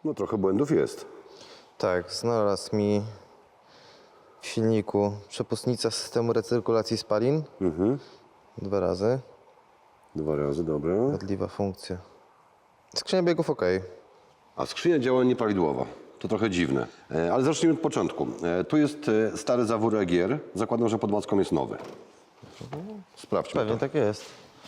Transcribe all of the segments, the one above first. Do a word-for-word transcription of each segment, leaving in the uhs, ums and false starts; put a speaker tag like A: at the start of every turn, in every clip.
A: No trochę błędów jest.
B: Tak, znalazł mi w silniku przepustnica systemu recyrkulacji spalin.
A: Mhm.
B: Dwa razy.
A: Dwa razy, dobra.
B: Wadliwa funkcja. Skrzynia biegów ok.
A: A skrzynia działa nieprawidłowo. To trochę dziwne. E, ale zacznijmy od początku. E, tu jest e, stary zawór E G R. Zakładam, że pod macką jest nowy. Sprawdźmy
B: Pewnie
A: to.
B: tak jest.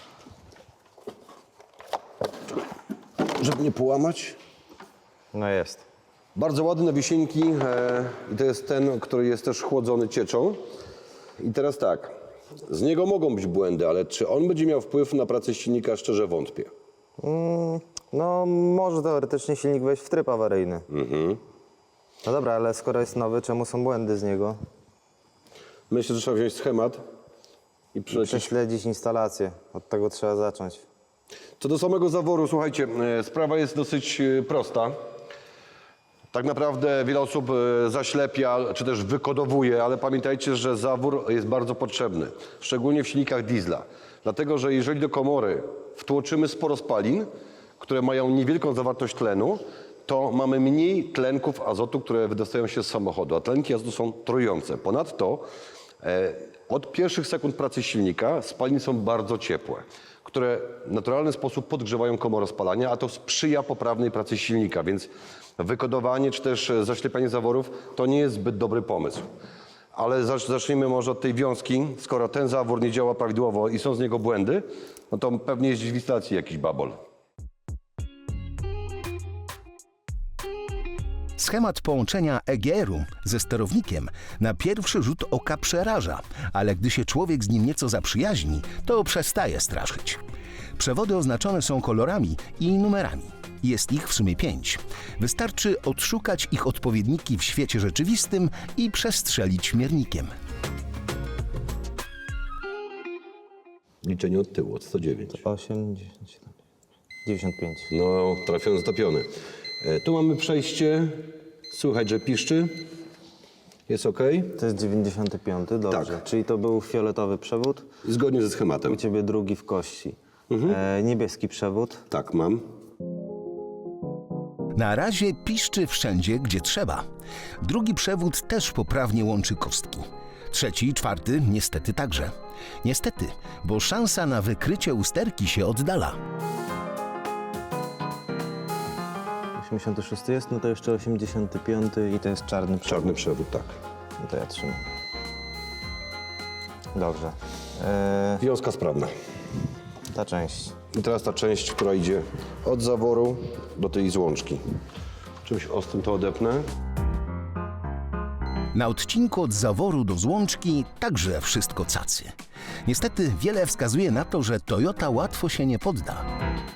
A: Żeby nie połamać.
B: No jest.
A: Bardzo ładne wisienki e, i to jest ten, który jest też chłodzony cieczą. I teraz tak, z niego mogą być błędy, ale czy on będzie miał wpływ na pracę silnika, szczerze wątpię.
B: Mm, no może teoretycznie silnik wejść w tryb awaryjny.
A: Mhm.
B: No dobra, ale skoro jest nowy, czemu są błędy z niego?
A: Myślę, że trzeba wziąć schemat i przelecieć.
B: Prześledzić instalację. Od tego trzeba zacząć.
A: Co do samego zaworu, słuchajcie, e, sprawa jest dosyć e, prosta. Tak naprawdę wiele osób e, zaślepia, czy też wykodowuje, ale pamiętajcie, że zawór jest bardzo potrzebny, szczególnie w silnikach diesla. Dlatego, że jeżeli do komory wtłoczymy sporo spalin, które mają niewielką zawartość tlenu, to mamy mniej tlenków azotu, które wydostają się z samochodu, a tlenki azotu są trujące. Ponadto e, od pierwszych sekund pracy silnika spaliny są bardzo ciepłe, które w naturalny sposób podgrzewają komorę spalania, a to sprzyja poprawnej pracy silnika, więc wykodowanie czy też zaślepianie zaworów to nie jest zbyt dobry pomysł. Ale zacznijmy może od tej wiązki. Skoro ten zawór nie działa prawidłowo i są z niego błędy, no to pewnie jest gdzieś w instalacji jakiś babol.
C: Schemat połączenia E G R-u ze sterownikiem na pierwszy rzut oka przeraża, ale gdy się człowiek z nim nieco zaprzyjaźni, to przestaje straszyć. Przewody oznaczone są kolorami i numerami. Jest ich w sumie pięć. Wystarczy odszukać ich odpowiedniki w świecie rzeczywistym i przestrzelić miernikiem.
A: Liczenie od tyłu, od sto dziewięć.
B: osiem, dziesięć, dziewięćdziesiąt pięć.
A: No, trafiony, zatopiony. E, tu mamy przejście. Słychać, że piszczy. Jest ok.
B: To jest dziewięćdziesiąty piąty, dobrze.
A: Tak.
B: Czyli to był fioletowy przewód.
A: Zgodnie ze schematem.
B: U ciebie drugi w kości. E, niebieski przewód.
A: Tak, mam.
C: Na razie piszczy wszędzie, gdzie trzeba. Drugi przewód też poprawnie łączy kostki. Trzeci i czwarty niestety także. Niestety, bo szansa na wykrycie usterki się oddala.
B: osiemdziesiąty szósty jest, no to jeszcze osiemdziesiąty piąty i to jest czarny przewód.
A: Czarny przewód, tak.
B: No to ja trzymam. Dobrze. E,
A: Wiązka sprawna.
B: ta część.
A: I teraz ta część, która idzie od zaworu do tej złączki. Czymś ostrym to odepnę.
C: Na odcinku od zaworu do złączki także wszystko cacy. Niestety wiele wskazuje na to, że Toyota łatwo się nie podda.